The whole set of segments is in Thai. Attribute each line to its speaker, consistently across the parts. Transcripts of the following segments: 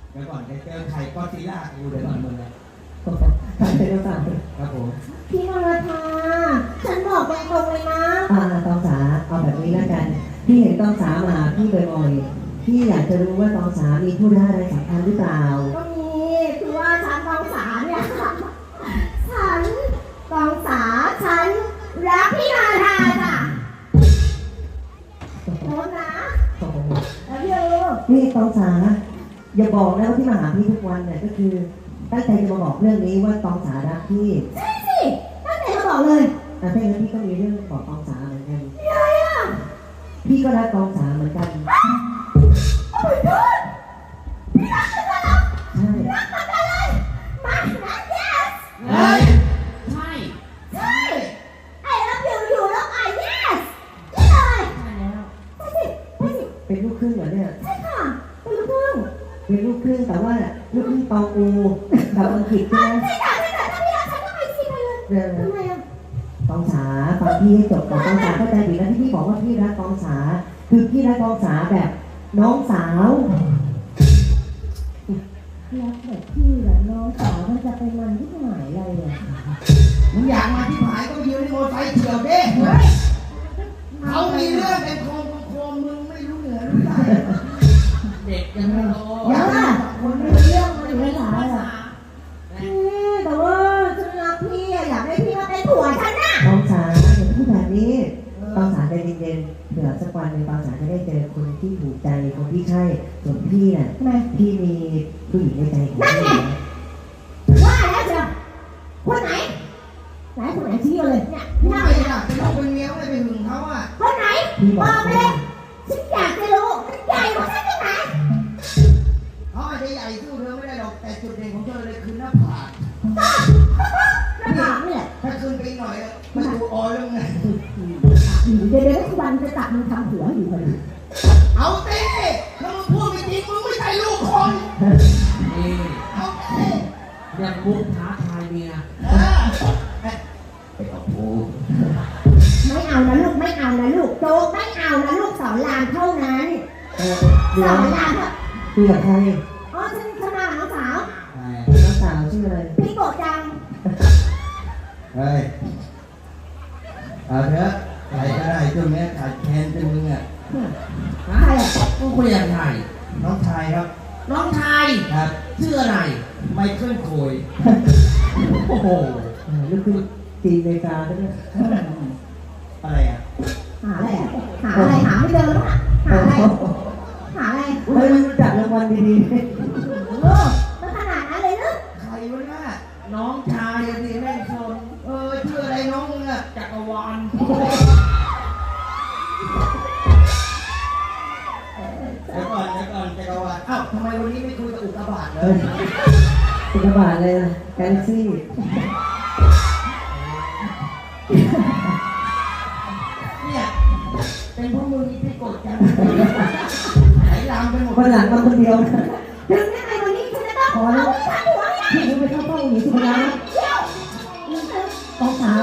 Speaker 1: เดี๋ยวก่อนจะเจอไข่ก็ซิล่ากูเดี๋ยวก่อนมึงนะ
Speaker 2: ใครเป็นต่าง
Speaker 1: ครับผม
Speaker 3: พี่นรธาฉันบอกตรงๆเลยนะ
Speaker 2: ตองสาเอาแบบนี้แล้วกันพี่เห็นตองสามาพี่บ่อยๆพี่อยากจะรู้ว่าตองสามีธุระอะไรสำคัญหรือเปล่า
Speaker 3: ก็มีคือว่าฉันตองสาเนี่ยฉันตองสาฉันรักพี่นรธาจ้ะโน้นนะแล้ว
Speaker 2: นี่ตองสาอย่าบอกนะว่าที่มาหาพี่ทุกวันเนี่ยก็คือตั้งใจจะมาบอกเรื่องนี้ว่าตองสารักพี่
Speaker 3: ใช่สิตั้งใจมาบอกเลย
Speaker 2: ถ้าอย่างนั้นพี่ก็มีเรื่องบอกตองสาเหมือนกัน
Speaker 3: อะไรอ่ะ
Speaker 2: พี่ก็รักตองสาเหมือนกัน
Speaker 3: โอ้ยพี่รักฉันเหรอ
Speaker 2: ใช่
Speaker 3: รักมันเลยมานะ yes
Speaker 1: เฮ้ยใช่
Speaker 3: ใช่ไอ้รับอยู่แล้วไอ้ yes นี่เลย
Speaker 1: ใช่แล้ว
Speaker 3: ใช่สิใช่สิ
Speaker 2: เป็นลูกครึ่งเหรอเนี่ย
Speaker 3: ใช่ค่ะเป็นลูกครึ่ง
Speaker 2: แต่ว่าลูกครึ่งตองอูกับอังกฤษใช่ไหม
Speaker 3: ใช่ค่ะถ้าพี่รักฉันก็ไปสิไปเลยทำไมอ่ะ
Speaker 2: ตองสาฟังพี่ให้จบก่อนตองสาเข้าใจผิดแล้วที่พี่บอกว่าพี่รักตองสาคือพี่รักตองสาแบบน้องสาว
Speaker 3: รักแบบพี่แหละน้องสาวมันจะไปมันที่ไหนอะไรอ่ะ
Speaker 1: มึงอยากมาที่หายก็ยืนในมอเตอร์ไซค์เที่ยวเด้เขามีเรื่องเป็นโคมมึงไม่รู้เหนือรู้ใต้เด็กยังไม่โต
Speaker 3: ยังอ่ะคนไม่รู้เรื่องมันอยู่ในสายอ่ะแต่ว่าฉันรักพี่อยากให้พี่มาเป็นผัวฉันน่ะ
Speaker 2: ตองสาอย่าพูดแบบนี้ตองสาใจเย็นๆเผื่อสักวันหนึ่งตองสาจะได้เจอคนที่ถูกใจคนที่ใช่ส่วนพี่น่ะพี่มีผู้หญิงในใจของพี่
Speaker 3: ว่าแล้วเชียวคนไหนคนไหนชี้เลยเนี่ย
Speaker 1: ไม่ล่ะเป็นลูกเป็นเมียไม่ไปหึงเขาอ่ะ
Speaker 3: คนไหนบอกเลยฉันอยากจะรู้มันใหญ่กว่าฉันตรงไหน
Speaker 1: เขาอาจจะใหญ่สู้เธอไม่ได้หรอกแต่จุดเด่นของเธอเลยคือหน้าผาก
Speaker 3: หน้าผากเนี่ย
Speaker 1: ถ้าขึ้นไปหน่อยมันดูอ่อนลงไง
Speaker 3: เดี๋ยวทุกวันจะจับมึงทำหัวอยู่เลย
Speaker 1: เอาเต้ถ้ามึงพูดไม่จริงมึงไม่ใช่ลูกคนนี่เอาเต้อย่างมุกท้าทายเมียไปกับกู
Speaker 3: ไม่เอานะลูกไม่เอานะลูกโจ๊กไม่เอานะลูกสอนรามเท่านั้นสอนราม
Speaker 2: คุยกับใคร
Speaker 3: อ๋อฉันมาน้องสาว
Speaker 2: ชื่ออะไร
Speaker 3: พี่โกจัง
Speaker 1: เฮ้ยเอาเถอะใครก็ได้ช่วงนี้ขาดแคลนจนมึงอ่ะ
Speaker 3: ใครอ่ะ
Speaker 1: กูคุยกับใครน้องชายครับน้องชายครับชื่ออะไรไมเคิลโคยโอ้โห
Speaker 2: นี่คือจีนเมกาใช่ไหม
Speaker 1: อะไรอ่ะ
Speaker 3: หาอะไรหาไม่เจอแล้วอ่ะหาอะไร
Speaker 2: เฮ้ยมันจัดรางวัลดี
Speaker 3: ๆมันขนาดนั้นเลยนะ
Speaker 1: ใครวะน่ะน้องชายสิแม่ชนชื่ออะไรน้องมึงอ่ะจักรวาลเดี๋ยวก่อนจักรวาลอ้าวทำไมวันนี้ไม่คุยกับอุกกาบาตเลย
Speaker 2: อุกกาบาตเลยกาแล็กซี่
Speaker 1: เนี่ยเป็นพวกมึงที่กดกันไหลลามไปหมด
Speaker 2: คนหลังมาคนเดียว
Speaker 3: ถึงยังไงวันนี้ฉันจะต้องเอาไปทำหัว
Speaker 2: พี่ไปเข้าเป้าหนีสุภาพต้องสา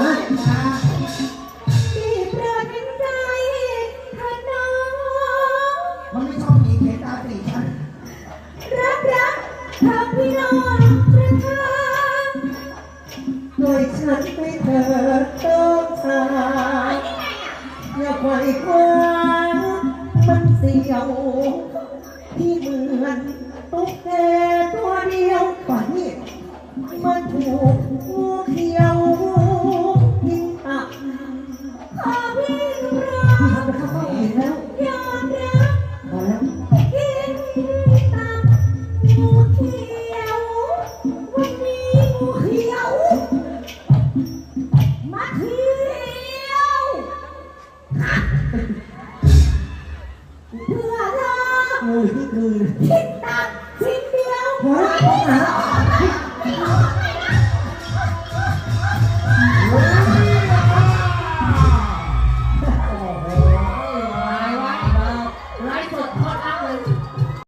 Speaker 3: ที่เปลือกเป็นใจขนาด
Speaker 1: มันไม่ชอบหนีเขตตาตีฉัน
Speaker 3: รักทำพี่น้องประทาน
Speaker 2: โดยฉันไม่เกิดต้องสาอย่าไขว่คว้ามันเสียวที่เหมือนตุ๊กแกตัวเดียวป่านนี้มันถูกงูเขียวกินตับ
Speaker 3: ขอพี่รัก
Speaker 2: พี่ทำไปเข้าเป้าอีกแล้ว
Speaker 3: ยอมรับ
Speaker 2: พอแล้ว
Speaker 3: กินตับงูเขียววันนี้งูเขียวมาเที่ยวเพื่อรัก
Speaker 2: งูที่คืน
Speaker 3: ที่